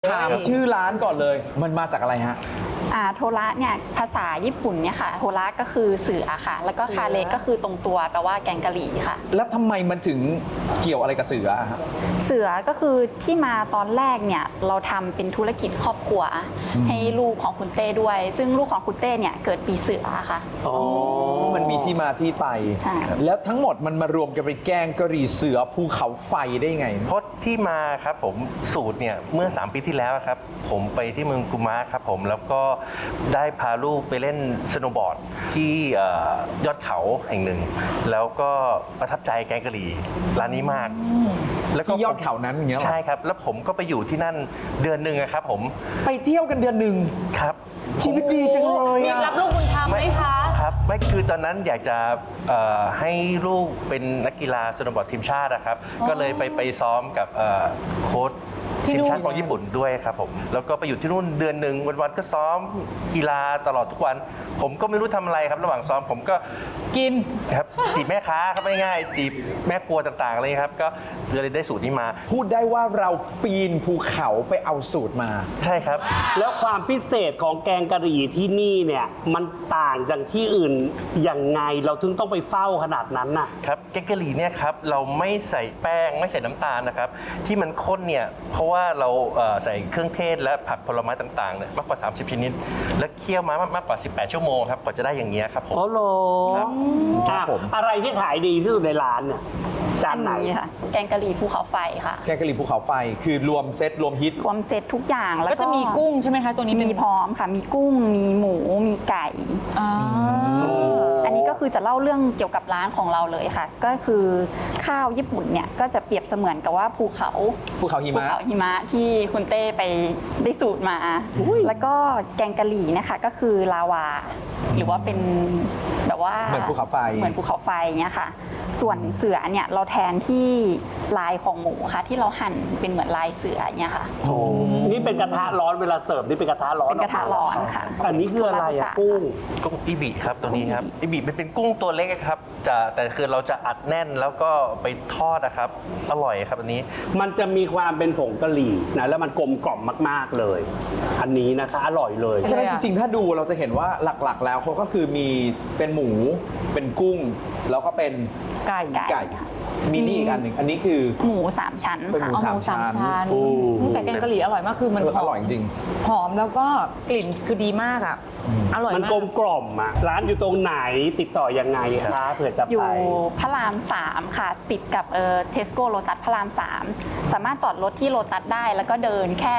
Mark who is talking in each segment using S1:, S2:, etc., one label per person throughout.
S1: ถามชื่อร้านก่อนเลยมันมาจากอะไรฮะ
S2: โทระเนี่ยภาษาญี่ปุ่นเนี่ยค่ะโทระก็คือเสือค่ะแล้วก็คาเลก็คือตรงตัวแปลว่าแกงกะหรี่ค่ะ
S1: แล้วทำไมมันถึงเกี่ยวอะไรกับเสือครับ
S2: เสือก็คือที่มาตอนแรกเนี่ยเราทำเป็นธุรกิจครอบครัวให้ลูกของคุณเต้ด้วยซึ่งลูกของคุณเต้เนี่ยเกิดปีเสือค่ะ
S1: อ๋อมันมีที่มาที่ไป
S2: ใช่
S1: แล้วทั้งหมดมันมารวมกันเป็นแกงกะหรี่เสือภูเขาไฟได้ไง
S3: เพราะที่มาครับผมสูตรเนี่ยเมื่อ3 ปีที่แล้วครับผมไปที่เมืองกุมะครับผมแล้วก็ได้พาลูกไปเล่นสโนว์บอร์ดที่ยอดเขาแห่งหนึ่งแล้วก็ประทับใจแกงกะหรี่ร้านนี้มาก
S1: แล้วก็ที่ยอดเขานั้นอย่างเงี้ย
S3: ใช่ครับแล้วผมก็ไปอยู่ที่นั่นเดือนหนึ่งครับผม
S1: ไปเที่ยวกันเดือนหนึ่ง
S3: ครับ
S1: ชีวิตดีจังเลย
S4: มีรับลูกบุญธรรมไหมคะ
S3: ครับไม่คือตอนนั้นอยากจะให้ลูกเป็นนักกีฬาสโนว์บอร์ดทีมชาตินะครับก็เลยไปซ้อมกับโค้ชทีมชาติของญี่ปุ่นด้วยครับผมแล้วก็ไปอยู่ที่นู่นเดือนหนึ่งวันๆก็ซ้อมกีฬาตลอดทุกวันผมก็ไม่รู้ทำอะไรครับระหว่างซ้อมผมก็
S4: กิน
S3: ครับจีบแม่ค้าครับง่ายๆจีบแม่ครัวต่างๆเลยครับก็เลยได้สูตรนี้มา
S1: พูดได้ว่าเราปีนภูเขาไปเอาสูตรมา
S3: ใช่ครับ
S5: แล้วความพิเศษของแกงกะหรี่ที่นี่เนี่ยมันต่างจากที่อื่นยังไงเราถึงต้องไปเฝ้าขนาดนั้นน่ะ
S3: ครับแกงกะหรี่เนี่ยครับเราไม่ใส่แป้งไม่ใส่น้ำตาลนะครับที่มันข้นเนี่ยเพราะว่าเราใส่เครื่องเทศและผักผลไม้ต่างๆเนี่ยมากกว่า30ชนิดและเคี่ยวมามากกว่า18ชั่วโมงครับกว่าจะได้อย่างนี้ครับผม
S5: อ๋อเหรอครับอะไรที่ขายดีที่สุดในร้านเนี่ยจานไหน
S2: ค่ะแกงกะหรี่ภูเขาไฟค่ะ
S1: แกงกะหรี่ภูเขาไฟคือรวมเซตรวมฮิต
S2: รวมเซตทุกอย่างแล้ว
S4: ก็จะมีกุ้งใช่ไหมคะตัวนี้
S2: มีพร้อมค่ะมีกุ้งมีหมูมีไก่อันนี้ก็คือจะเล่าเรื่องเกี่ยวกับร้านของเราเลยค่ะก็คือข้าวญี่ปุ่นเนี่ยก็จะเปรียบเสมือนกับว่าภูเขา
S1: หิ
S2: มะที่คุณเต้ไปได้สูตรมาแล้วก็แกงกะหรี่นะคะก็คือลาวาหรือว่าเป็นแบบว่า
S1: เหมือนภูเขาไฟ
S2: เงี้ยค่ะส่วนเสือเนี่ยเราแทนที่ลายของหมูค่ะที่เราหั่นเป็นเหมือนลายเสือเนี่ยค่ะ
S5: นี่เป็นกระทะร้อนเวลาเสิร์ฟนี่เป็นกระทะร้อน
S2: เป็นกระทะร้อนค่ะ
S5: อันนี้คืออะไรอะกุ้ง
S3: อิบิครับตัวนี้ครับอิบิเป็นกุ้งตัวเล็กครับแต่คือเราจะอัดแน่นแล้วก็ไปทอดนะครับอร่อยครับอันนี้
S5: มันจะมีความเป็นผงกะหรี่นะแล้วมันกลมกล่อมมากๆเลยอันนี้นะคะอร่อยเลย
S1: ฉะนั้นจริงๆถ้าดูเราจะเห็นว่าหลักๆแล้วเขาก็คือมีเป็นหมูเป็นกุ้งแล้วก็เป็น
S4: ไก่
S1: มีนี่อีกอันหนึ่งอันนี้คือ
S2: หมู3ชั้นค่ะ
S1: หมู3ชั้น
S4: แต่แกงกะหรี่อร่อยมากคือมัน
S1: อร่อยจริง
S4: หอมแล้วก็กลิ่นคือดีมากอ่ะอร่อยมาก
S5: มันกลมกล่อมอ่ะร้านอยู่ตรงไหนติดต่อยังไงคะเผื่อจะไป
S2: อยู่พระราม3ค่ะติดกับเทสโก้โลตัสพระราม3สามารถจอดรถที่โลตัสได้แล้วก็เดินแค่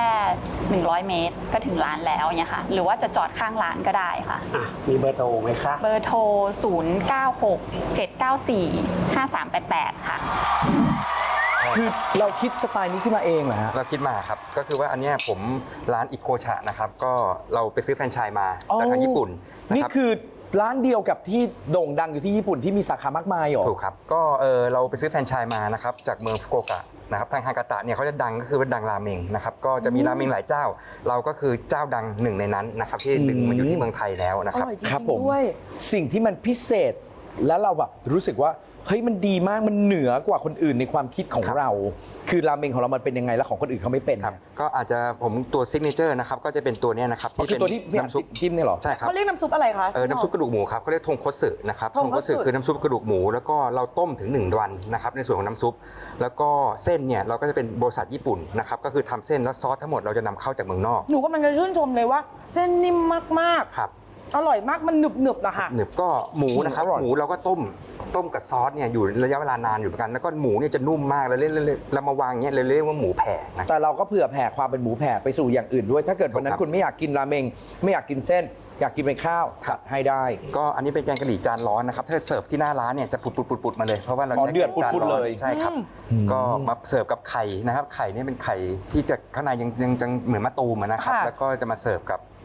S2: 100 เมตรก็ถึงร้านแล้วเนี่ยค่ะหรือว่าจะจอดข้างร้านก็ได้ค่ะ
S5: มีเบอร์โทรไหมคะ
S2: เบอร์โทร0967945388ค่ะ
S1: คือเราคิดสไตล์นี้ขึ้นมาเองเหรอฮะ
S6: เราคิดมาครับก็คือว่าอันนี้ผมร้านอิโคชะนะครับก็เราไปซื้อแฟรนไชส์มาจากทางญี่ปุ่น
S1: นี่คือร้านเดียวกับที่โด่งดังอยู่ที่ญี่ปุ่นที่มีสาขามากมายหรอ
S6: ถูกครับก็เราไปซื้อแฟรนไชส์มานะครับจากเมืองฟุกุโอกะนะครับทางฮากาตะเนี่ยเขาจะดังก็คือว่าดังราเมงนะครับก็จะมีราเมงหลายเจ้าเราก็คือเจ้าดังหนึ่งในนั้นนะครับที่ดึงมาอยู่ที่เมืองไทยแล้วนะครับ
S1: ครับผมสิ่งที่มันพิเศษแล้วเราแบบรู้สึกว่าเฮ้ยมันดีมากมันเหนือกว่าคนอื่นในความคิดของเราคือราเมงของเรามันเป็นยังไงแล้วของคนอื่นเขาไม่เป็น
S6: ครับก็อาจจะผมตัวซิกเนเจอร์นะครับก็จะเป็นตัวนี้นะครับ
S1: ที่เป็นตัวที่น้ำซุปจิ้มเนี่ยหรอ
S6: ใช่ครับ
S4: เขาเรียกน้ำซุปอะไรคะ
S6: น้ำซุปกระดูกหมูครับเขาเรียกทงคัตสึนะครับทงคัตสึคือน้ำซุปกระดูกหมูแล้วก็เราต้มถึง1 วันนะครับในส่วนของน้ำซุปแล้วก็เส้นเนี่ยเราก็จะเป็นบริษัทญี่ปุ่นนะครับก็คือทำเส้นแล้วซอสทั้งหมดเราจะนำเข้าจากเมืองนอก
S4: หนูก็มันจะชื่นชมเลยว่าเส้นนิ่มมาก
S6: ครับ
S4: อร่อยมากมันหนึบๆนะคะ
S6: หนึบก็หมูนะครับหมูเราก็ต้มกับซอสเนี่ยอยู่ระยะเวลานานอยู่เหมือนกันแล้วก็หมูเนี่ยจะนุ่มมากแล้วเรามาวางเงี้ยเลยเรียกว่าหมูแผ่นะ
S1: แต่เราก็เผื่อแผ่ความเป็นหมูแผ่ไปสู่อย่างอื่นด้วยถ้าเกิดวันนั้นคุณไม่อยากกินราเมงไม่อยากกินเส้นอยากกินเป็นข้าวจัดให้ได้
S6: ก็อันนี้เป็นแกงกะหรี่จานร้อนนะครับถ้าเสิร์ฟที่หน้าร้านเนี่ยจะปุดๆมาเลยเพราะว่าเราใช้
S1: เดือดปุดๆเลย
S6: ใช่ครับก็มาเสิร์ฟกับไข่นะครับไข่นี่เป็นไข่ที่จะข้างในยังเหมือนมะตูมนะครับแล้วก็จะมาเสิร์ฟกับ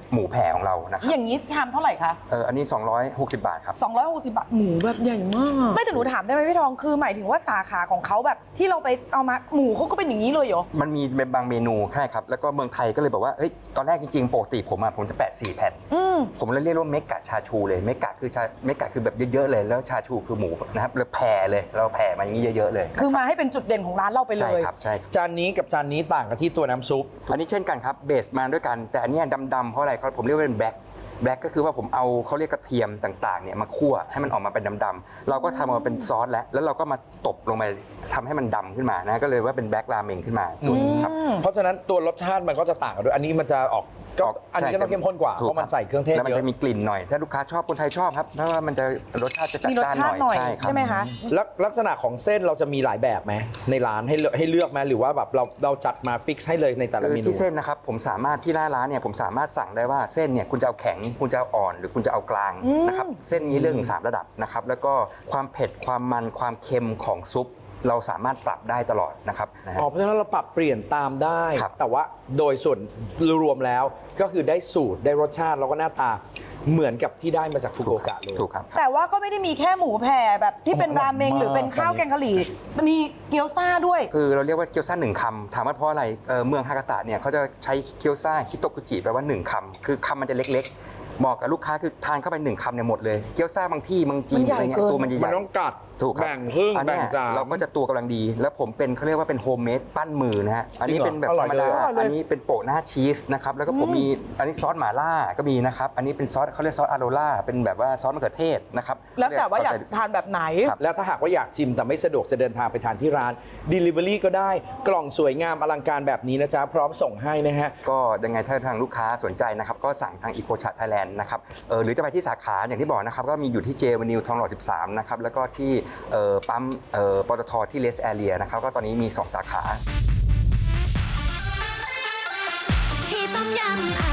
S6: หมูแผ่ของเรานะครับ
S4: อย่างนี้ทำเท่าไหร่คะ
S6: อันนี้ 260 บาทครับ
S4: 260 บาทหมูแบบใหญ่มาก ไม่แต่หนูถามได้ไหมพี่ทองคือหมายถึงว่าสาขาของเขาแบบที่เราไปเอามาหมูเขาก็เป็นอย่างนี้เลยเหรอ
S6: มันมีบางเมนูใช่ครับแล้วก็เมืองไทยก็เลยบอกว่าเฮ้ยตอนแรกจริงๆปกติผมจะแปะ4 แผ่น ผมเลยเรียกว่าเมกะชาชูเลยเมกะคือแบบเยอะๆเลยแล้วชาชูคือหมูนะครับแล้วแผ่เลยเราแผ่มาอย่างนี้เยอะๆเลย
S4: คือมาให้เป็นจุดเด่นของร้านเราไปเล
S6: ใช่
S4: ย
S6: ครับใช่ครับ
S1: จานนี้กับจานนี้ต่างกันที่ตัวน้ำซุป
S6: อันนี้เช่นกันครับเบสมาด้วยกันแต่อันเนี้ยดำๆเพราะอะไรผมเรียกว่าเป็นแบล็กก็คือว่าผมเอาเขาเรียกกระเทียมต่างๆเนี่ยมาคั่วให้มันออกมาเป็นดำๆเราก็ทำมาเป็นซอสแล้วเราก็มาตบลงไปทำให้มันดำขึ้นมานะก็เลยว่าเป็นแบล็กราเมงขึ้นมาตัวนี้ครับ
S1: เพราะฉะนั้นตัวรสชาติมันก็จะต่างกันด้วยอันนี้มันจะออกก็อันนี้ก็ต้องเข้มข้นกว่าเพ
S6: ถู
S1: ราะมันใส่เครื่องเทศ
S6: แล้วมัน
S1: เย
S6: จะ
S1: อะ
S6: มีกลิ่นหน่อยถ้าลูกค้าชอบคนไทยชอบครับเพราะว่ามันจะรสชาติจะจัด
S4: มีรส
S6: จ้าน
S4: ชาติหน่อย
S6: ครับ
S4: ใช่ไหมคะ
S1: ลักษณะของเส้นเราจะมีหลายแบบไหมในร้านให้เลือกไหมหรือว่าแบบเราจัดมาฟิกให้เลยในแต่ละ
S6: คือ
S1: เมนู
S6: ที่เส้นนะครับผมสามารถที่หน้าร้านเนี่ยผมสามารถสั่งได้ว่าเส้นเนี่ยคุณจะเอาแข็งคุณจะเอาอ่อนหรือคุณจะเอากลางนะครับเส้นนี้เรื่องถึง3ระดับนะครับแล้วก็ความเผ็ดความมันความเค็มของซุปเราสามารถปรับได้ตลอดนะครับนะฮะ
S1: อ๋อเพราะฉะนั้นเราปรับเปลี่ยนตามได้
S6: ครับ
S1: แต่ว่าโดยส่วนรวมแล้วก็คือได้สูตรได้รสชาติแล้วก็หน้าตาเหมือนกับที่ได้มาจากฟุกุโอกะเลย
S6: ถูกครับ
S4: แต่ว่าก็ไม่ได้มีแค่หมูแผ่แบบที่เป็นราเมงหรือเป็นข้าวแกงกะหรี่มีเกี๊ยวซ่าด้วย
S6: คือเราเรียกว่าเกี๊ยวซ่า1 คำถามว่าเพราะอะไรเมืองฮากาตะเนี่ยเขาจะใช้เกี๊ยวซ่าคิโตกุจิแปลว่า1 คำคือคำมันจะเล็กๆเหมาะกับลูกค้าคือทานเข้าไป1 คำเนี่ยหมดเลยเกี๊ยวซ่าบางที่บางจีน
S4: มันใหญ่
S6: อะไรเงี้ย
S4: เกิน
S6: ตัวมันจะให
S1: มัน
S6: ญ่
S1: ต้องกัด
S6: ถูกครับ
S1: แบ่งครึ่ง
S6: อัน
S1: แบ่
S6: เนี้
S1: ง
S6: ย
S1: จาน
S6: เราก็จะตัวกำลังดี แล้วผมเป็นเขาเรียกว่าเป็นโฮมเมดปั้นมือนะฮะอันนี้เป็นแบบ
S1: อร่
S6: ธ
S1: อ
S6: ร
S1: ย
S6: รม
S1: เลย
S6: ดา
S4: อร่อยเลย
S6: อันนี้เป็นโปะหน้าชีสนะครับแล้วก็ผมมีอันนี้ซอสหม่าล่าก็มีนะครับอันนี้เป็นซอสเขาเรียกซอสอาโรล่าเป็นแบบว่าซอสมะเขือเทศนะครับ
S4: แล้วแต่ว่าอยากทานแบบไหน
S6: ครับ
S1: แล้วถ้าหากว่าอยากชิมแต่ไม่สะดวกจะเดินทางไปทานที่ร้าน Delivery ก็ได้กล่องสวยงามอลังการแบบนี้นะจ๊ะพร้อมส่งให้นะฮะ
S6: ก็ยังไงถ้าทางลูกค้าสนใจนะครับก็สั่งทาง Eco Chat Thailand นะครับหรือจะไปที่สาขาอย่างที่บอกนะครับก็มีอยู่ที่เจวานิวทองหล่อ 13 นะครับแล้วก็ที่ปั๊มปตทที่เลสแอเรียนะครับก็ตอนนี้มี 2 สาขา
S7: ที่ต้มยำ